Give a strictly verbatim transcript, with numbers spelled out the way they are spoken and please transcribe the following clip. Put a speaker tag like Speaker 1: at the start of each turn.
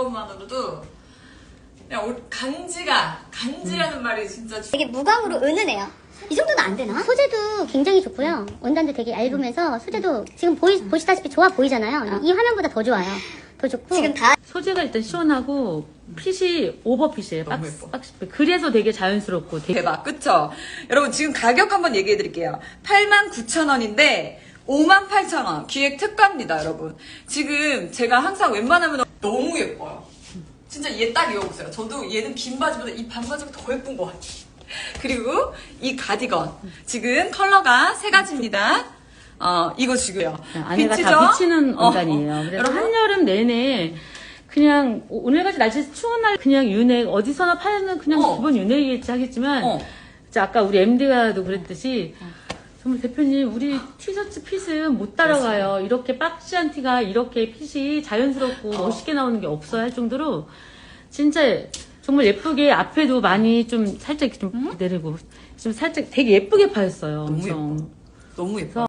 Speaker 1: 이것만으로도 그냥 옷 간지가 간지라는 음. 말이 진짜
Speaker 2: 되게 무광으로 은은해요. 이 정도는 안 되나? 소재도 굉장히 좋고요. 원단도 되게 얇으면서 소재도 지금 보이, 보시다시피 좋아 보이잖아요. 이 화면보다 더 좋아요. 더 좋고
Speaker 3: 지금 다
Speaker 4: 소재가 일단 시원하고 핏이 오버핏이에요.
Speaker 1: 너무
Speaker 4: 박스,
Speaker 1: 예뻐.
Speaker 4: 박스핏. 그래서 되게 자연스럽고 되게
Speaker 1: 대박, 그쵸? 여러분 지금 가격 한번 얘기해 드릴게요. 팔만 구천 원인데 오만 팔천 원 기획 특가입니다, 여러분. 지금 제가 항상 웬만하면 너무 예뻐요. 진짜 얘 딱 입어보세요. 저도 얘는 긴 바지보다 이 반바지가 더 예쁜 것 같아요. 그리고 이 가디건 지금 컬러가 세 가지입니다. 어 이거 지금요.
Speaker 4: 안에가
Speaker 1: 비치죠?
Speaker 4: 다 비치는
Speaker 1: 어,
Speaker 4: 원단이에요.
Speaker 1: 어.
Speaker 4: 그래서
Speaker 1: 여러분?
Speaker 4: 한여름 내내 그냥 오늘같이 날씨 추운 날 그냥 유넥 어디서나 파는 그냥
Speaker 1: 어.
Speaker 4: 기본 유넥이겠지 하겠지만
Speaker 1: 어.
Speaker 4: 진짜 아까 우리 엠디가도 그랬듯이 정말 대표님 우리 티셔츠 핏은 못 따라가요. 이렇게 박시한 티가 이렇게 핏이 자연스럽고
Speaker 1: 어.
Speaker 4: 멋있게 나오는 게 없어요 할 정도로 진짜 정말 예쁘게 앞에도 많이 좀 살짝 이렇게 좀 내리고 좀 살짝 되게 예쁘게 파였어요.
Speaker 1: 너무
Speaker 4: 엄청.
Speaker 1: 예뻐. 너무 예뻐.